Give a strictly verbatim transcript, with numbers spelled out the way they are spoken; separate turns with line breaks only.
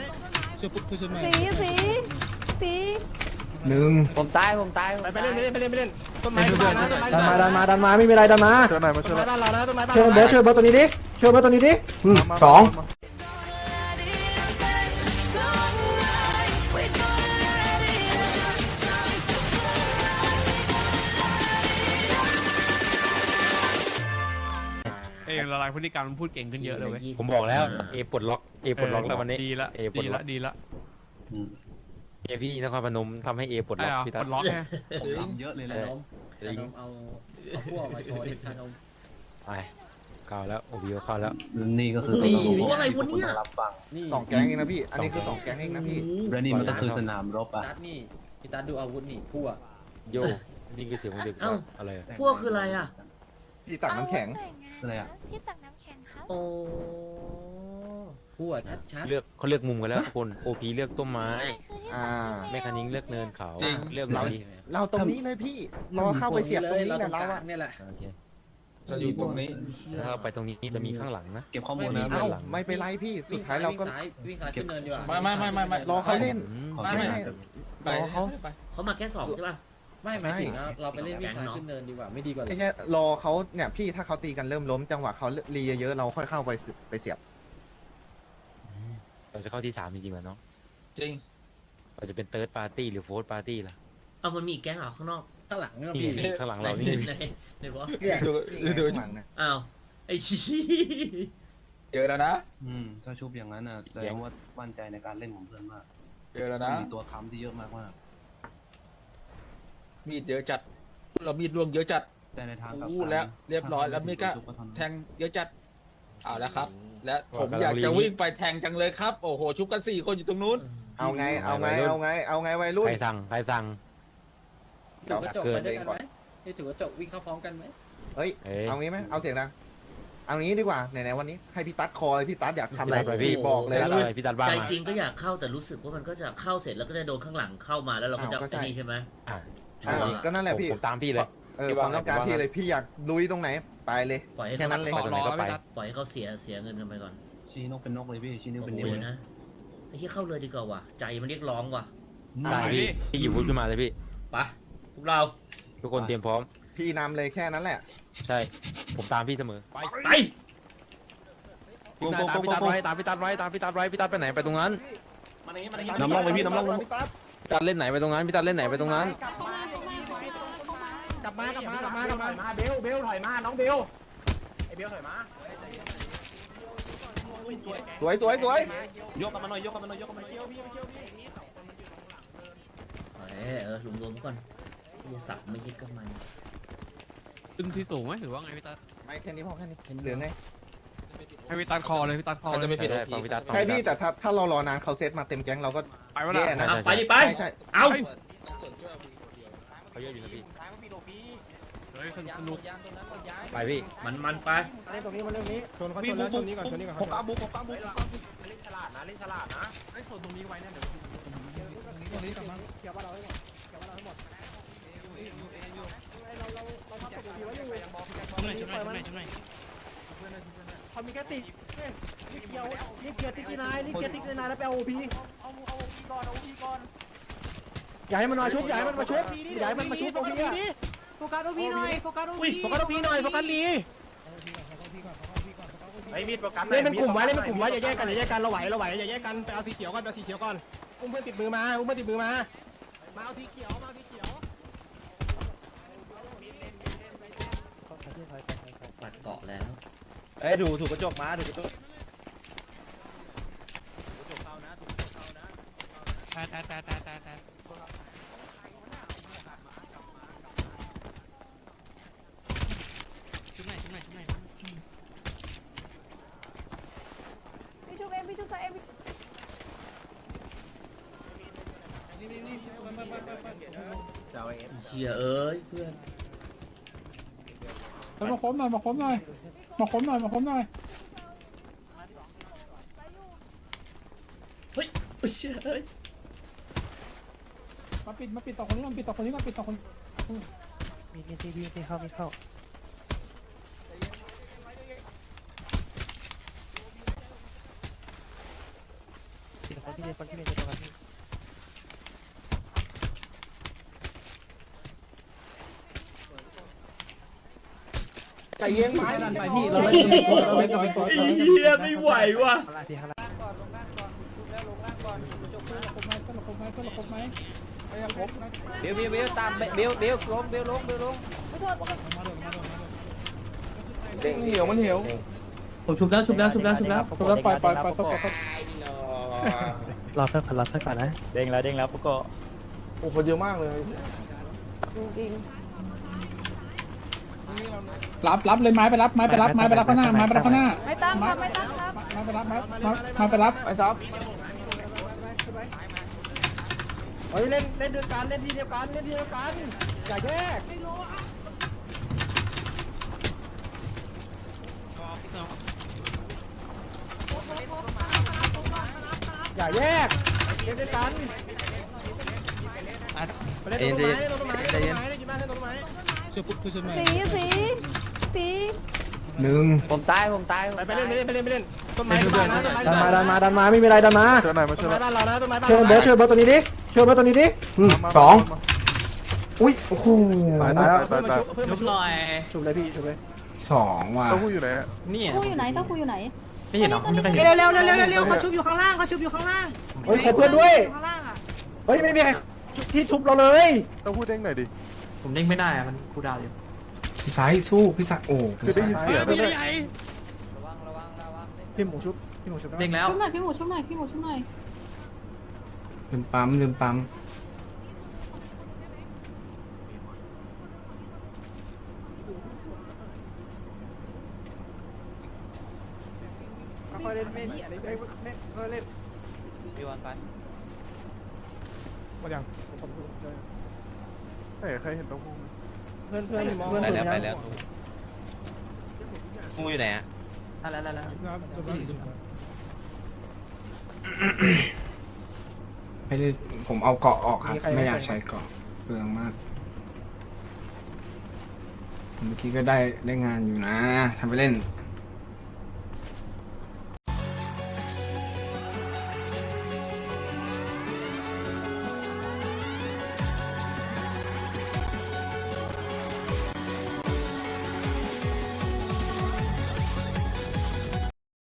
ช่วยปุ๊บช่วยหน่อย
สีสีสี
หนึ่ง
ผมตายผมตาย
ไปไปเล่นไปเล่นไปเล่นไปเล่นต้นไม้บ้านนะต้นไม้
ดันมาดันมาดันมาไม่มีอะไรดันมา
ช่วยหน่อยมาช่
ต้
วย
น
หน่
ไม้
อย
บ้านเรานะต้นไม้บ้าน
ช่วยเบิร์ดช่วยเบิร์ดตัวนี้ดิช่วยเบิร์ดตัวนี้ดิอืมสอง
เองละลายพฤติกรรมมันพูดเก่งขึ้นเยอะเลยเว้ย
ผมบอกแล้วเอปลดล็อกเอปลดล็อกแล้ววันนี้
ดีละ
เอปล
ดี
ดล็
ละ
อก
ดีละ
เอพี่นครพนมทำให้เอปลด
ไอ้
ล็อก
เหรอ
พี่
ป
ตั
ล
ด
ดล็อกไง
ผมทำเยอะเลยนะน้องชานมเอาเอาพวกมาโชว์ดิชานม
ไปเข้าแล้วโอบิโอเข้าแล้ว
นี่ก็คือ
นี่อะไรวะเนี่ย
รับฟัง
สองแก๊งเองนะพี่อันนี้คือสองแก๊งเองนะพี่
และนี่มันก็คือสนามรบอ่ะ
ตัดนี่พี่ตัดดูอาวุธนี่พวก
โยนี่คือเสียงของเด็กอะไรอะ
พวกคืออะไรอ่ะ
ที่ตักน้ำแข็ง
อะไรอ่ะ
ที่ตักน้ำแข็งครับ
โอ้พวกชัดชัด
เลือกเขาเลือกมุมกันแล้วทุกคนโอพีเลือกต้นไม้
อ่า
แม่คันนิ้งเลือกเนินเขาเลือก
เรา
นี้
เราตรงนี้เลยพี่รอเข้าไปเสียบตรงนี้แหละเรา
เรา
อะ
เนี่ยแหละ
โอเค
จะอยู่ตรงนี้
ถ้าไปตรงนี้จะมีข้างหลังนะ
เก็บข้อมูล
ไม่
นะ
มี
เอ้าไม่เป็นไรพี่สุดท้ายเราก็
วิ่งซ้ายขึ้นเนินดีกว่า
ไม่ไม่ไม่ไม่ไม่
รอเขาเล่น
ไม่ไม่
รอเขา
เขามาแค่สองใช่ป่ะ
ไม่หมายถึงเราไปเล่นวิ่งซ้ายขึ้นเนินดีกว่าไม่ดีกว่า
ไม่ใช่รอเขาเนี่ยพี่ถ้าเขาตีกันเริ่มล้มจังหวะเขารีเยอะๆเราค่อยเข้าไปไปเสียบ
เราจะเข้าที่สามจริงๆเหรอน้อง
จริง
เราจะเป็นเติร์ดปาร์ตี้หรือโฟร์ปาร์ตี้ล่ะ
เอามันมีแก๊งเหรอข้างนอก
ข้างหลังเนี่ย
นี่
พี่
ข้างหลังเรานี่
ในในบอส
เนี่ยนี่ไงข้างหลังนะ
อ้าวไอ้ชี้
เยอะแล้วนะ
อืมถ้าชุบอย่างนั้นอ่ะแสดงว่ามั่นใจในการเล่นของเพื่อนมาก
เยอะแล้ว
มัน
นะ
มีตัวค้ำที่เยอะมากมาก
มีดเยอะจัด เรามีดรวงเยอะจัด
แต่ในทางกลับ
อู้แล้วเรียบร้อยแล้วมีก็ แทงเยอะจัดเอาแล้วครับ และผมอยากจะวิ่งไปแทงจังเลยครับ โอ้โห ชุบกันสี่คนอยู่ตรงนู้น
เอาไงเอาไงเอาไงเอาไงวัยรุ่น
ใครสั่งใครสั่ง
ถือกระจกไปด้วยกันไหมนี่ถือกระจกวิ่งเข้าพร้อมกันไหม
เฮ้ย
เอ้ย
เอางี้ไหมเอาเสียงดังเอางี้ดีกว่าไหนๆวันนี้ให้พี่ตั๊ดคอเลยพี่ตั๊ดอยากทำอะไร
พี่
พี่บอกเลย
พี่ตัดอะไรพี่ตัดบ้าง
ใจ
มา
จริงก็อยากเข้าแต่รู้สึกว่ามันก็จะเข้าเสร็จแล้วก็จะโดนข้างหลังเข้ามาแล้วเราก็จะ
อ้าวก็ใช่
ไอ้นี่ใช่ไหม
อ่ะ
อ่าก็นั่นแหละพี่
ผมตามพี่เลย
เออความต้องการพี่เลยพี่อยากลุยตรงไหนไปเลย
ปล่อยให้
แค่
เขา
นั้นเลย
ไปตรงไหนก็ไป
ปล่อยให้เขาเสียเสียเงินกันไปก่อน
ชี้นกเป็นนกเลยพี่ชี้นิ้ว
โอ้
เป็น
โห
นิ้วเลย
นะไอ้ที่เข้าเลยดีกว่าว่ะใจมันเรียกร้องว่ะ
ได้พี่พี่หยิบวุ้นขึ้นมาเลยพี่
ไปพวกเรา
ทุกคนเตรียมพร้อม
พี่นำเลยแค่นั้นแหละ
ใช่ ผมตามพี่เสมอ ไป
ไป
พี่ตามพี่ตัดไว้ตามพี่ตัดไว้ตามพี่ตัดไว้พี่ตัดไปไหนไปตรงนั้น
น้ำล่องไปพี่น้ำล่อง
พี่ตั๊ด
พี่ตัดเล่นไหนไปตรงนั้นพี่ตัดเล่นไหนไปตรงนั้น
กลับมากลับมากลับมากลับมาเบลเบลถอยมาน้องเบลไอ้เบลถอยมา
สวยสวยสวย
ยกกันมาหน่อยยกกันมาหน่อยยกกันมาหน่อย
เออเออรวมรวมก่อนที่สับไม่ยึดกับมัน
ขึ้นที่สูงไหมหรือว่าไงพี่ตัด
ไม่แค่นี้พอแค่นี้เหลือไง
ให้พี่ตัดคอเลยพี่ตัดคอจะไม่ผิด
ใช่ฟังพี่ตัดฟัง
ใช่
พี่
พี่
ตัด
แต่ถ้าถ้าเรารอนานเขาเซตมาเต็มแก๊งเราก็
ไปวะ
แย่
ล่ะ
นะ
เอาไปดิไป
ใช่ใช่
เอา
เขาเยอะอยู่นะพี่
เฮ้ยสนุก
ไปพี่
มันมันไป
เล่นตรงนี้มาเรื่องนี้ชนเขาชนแล้วชนนี้ก่อนชนนี้ก่อนผมอาบุกผมอาบุกเล่นฉลาดนะเล่นฉลาดนะไอ้ส่วนตรงนี้ไว้เนี่ยเดี๋ยวตรงนี้กลับมาเกี่ยวว่าเราให้หมดเกี่ยวว่าเราให้หมดเราเราเราทำตัวดีไว้อยู่ช่วยหน่อยช่วยหน่อยช่วยหน่อยช่วยหน่อยเขามีแค่ติดนี่เกี่ยวนี่เกียร์ติ๊กนายนี่เกียร์ติ๊กนายแล้วไปเอาโอพีเอาเอาโอพีก่อนเอาโอพีก่อนอย่าให้มันมาชุบอย่าให้มันมาชุบอย่าให้มันมาชุบโอพีดิโฟกัสโอพีหน่อยโฟกัสโอพีโฟกัสโอพีหน่อยโฟกัสลีไอ้มีดโฟกัสเล่นเป็นกลุ่มไว้เล่นเป็นกลุ่มไว้อย่าแยกกันอย่าแยกกันเราไหวเราไหวอย่าแยกกันไปเอาสีเขียวก่อนไปเอาสีเขียวก่อนอุ้มเพื่อนติดมือมาอุ้มเพื่อนติดมือมามาเอาสีเขียวมาเอาสีเขียว
ปัดเกาะแล้ว
เอ้ยดูถูกกระจกมาถูกกระจก
ตายตายตายตายตายตายชุบไหนชุบไหนชุบไหน
พี่ชูเองพี่ชูใส่เอง
เชียเอ้ยเพื่อน
มาค้มหน่อยมาค้มหน่อยมาค้มหน่อยมาค้มหน่อย
เฮ้ยเชียเอ้ย
มาปิดมาปิดต่อคนนี้มาปิดต่อคนนี้มาปิดต่อคนมีมีทีมีทีเข้ามีเข้าปิดคนที่พี่เรียกคนที่เรียนจะตรงกันพี่
ใจเย็นไม้ดันไปพี่เรา
เรา
เล่น
เล่นเราเล่นกับเป็นตัวเราเล่นกับเป็นตัว
เฮียไม่ไหวว่ะ
อะไรทีครับเบลเบลเบลตามเบลเบลลงเบลลงเบลลง
เด้งเหนียวมันเหนียว
ผมชุบแล้วชุบแล้วชุบแล้วชุบแล้วชุบแล้วปล่อยปล่อยปล่อยปล่อยรอเพื่อนก่อนรอเพื่อนก่อนนะเด้งแล้วเด้งแล้วปุ๊กโก
โอ้คนเยอะมากเลย
จริง
รับรับเลยไม้ไปรับไม้ไปรับไม้ไปรับข้างหน้าไม้ไปรับข้างหน้า
ๆไม่ตั้งครับไม่ตั้งครับ
ไม้ไปรับไม้ไม้ไปรับ
ไอ้ซับ
เฮ้ยเล่นเล่นเดียวกันเล่นทีเดียวกันเล่นทีเดียวกันอย่าแยกอย่าแยกเล่นด้วยกันไปเล่นต้นไม้เล่นต้นไม้เล่นต้นไม้เล่นกินบ้านเล่นต้นไม้
สีสีสี
หนึ่ง
ผมตายผมตาย
ไปไปเล่นไปเล่นไปเล่นไปเล่นต้นไม้บ้านนะต้นไม้
ดัน
บ้าน
มาดันมาดันมาไม่มีอะไรดันมา
ต้นไม้บ้านเรานะต้นไม้บ้าน
ช่วยเบิร์ดช่วยเบิร์ดตัวนี้ดิช่วยเบิร์ดตัวนี้ดิสองอุ้ยโอ้โหตายแล้ว
ยุบหน่อย
ชุบเลยพี่ชุบเลยสองว่ะ
นี่
คู่อยู่ไหนเต้าคู่อยู่ไหน
ไม่เห็นหรอไม่เคยเห็น
เร็วเร็วเร็วเร็วเร็วเขาชุบอยู่ข้างล่างเขาชุบอยู่ข้างล่าง
เฮ้ยขอเพื่อนด้วย
ข้างล่างอ่ะ
เฮ้ยไม่มีใครที่ชุบเราเลย
ต้องพูดเด้งหน่อยดิ
ผมเด้งไม่ได้อะมันกูดาวอยู่
พี่สายสู้พี่สายโอ้
คือได้ยินเสียงด้วย
พี่หมูชุบพี่หมูชุบ
เด้งแล้ว
ชุบหน่อยพี่หมูชุบหน่อยพี่หมูชุบหน่อย
ลืมปั๊มลืมปั๊ม
ค่อยเล่นไม่เนี่ยไม่ไม่ค่อยเล่น
พี่วันไป
หมดยังผมดูเจอ
ใครใครเห็นต้องพูด
เพื่อนเพื่อนมองเพื่อน
ไป
เพื่อน
แล้วไป
ยัง
แล้วงูอยู่ไหนอะ
อะไรอะไรอะไร
ไม่ได้ผมเอาเกาะออกครับไม่อยากใช้เกาะเปลืองมากเมื่อกี้ก็ได้ได้งานอยู่นะทำไปเล่น